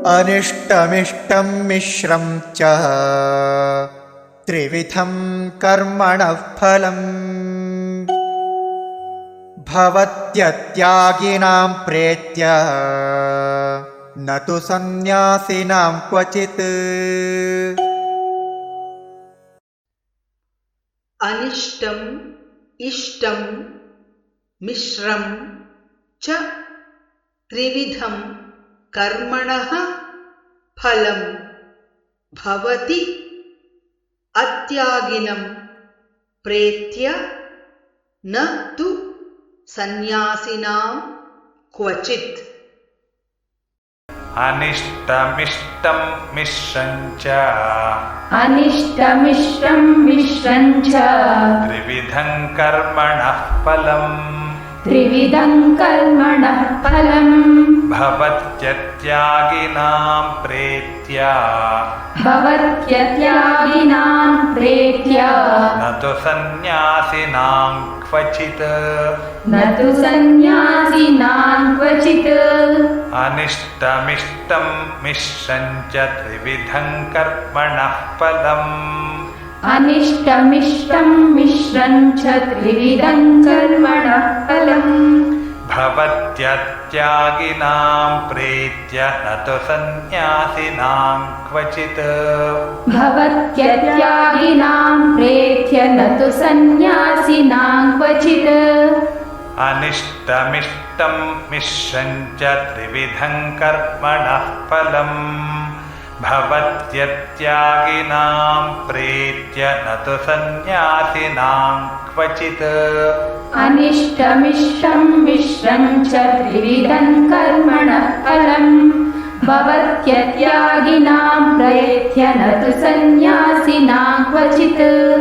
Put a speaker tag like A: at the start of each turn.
A: अनिष्टमिष्टं मिश्रं च त्रिविधं कर्मणः फलम् भवत्यत्यागिनां प्रेत्य न तु सन्न्यासिनां क्वचित्।
B: अनिष्टं इष्टं मिश्रं च त्रिविधं कर्मणः फलं भवति अत्यागिनं प्रेत्य न तु सन्न्यासिनां क्वचित्।
C: अनिष्टमिष्टं मिश्रं च त्रिविधं कर्मणः फलम् भवत्यत्यागिनां प्रेत्य न तु सन्न्यासिनां क्वचित्। अनिष्टमिष्टं मिश्रं च त्रिविधं कर्मणः फलम् भवत्यत्यागिनां प्रेत्य न तु सन्न्यासिनां क्वचित्। अनिष्टमिष्टं मिश्रं च त्रिविधं कर्मणः फलम् भवत्यत्यागिनां प्रेत्य न तु सन्न्यासिनां क्वचित्।
D: अनिष्टमिष्टं मिश्रं च त्रिविधं कर्मणः फलम् भवत्यत्यागिनां प्रेत्य न तु सन्न्यासिनां क्वचित्।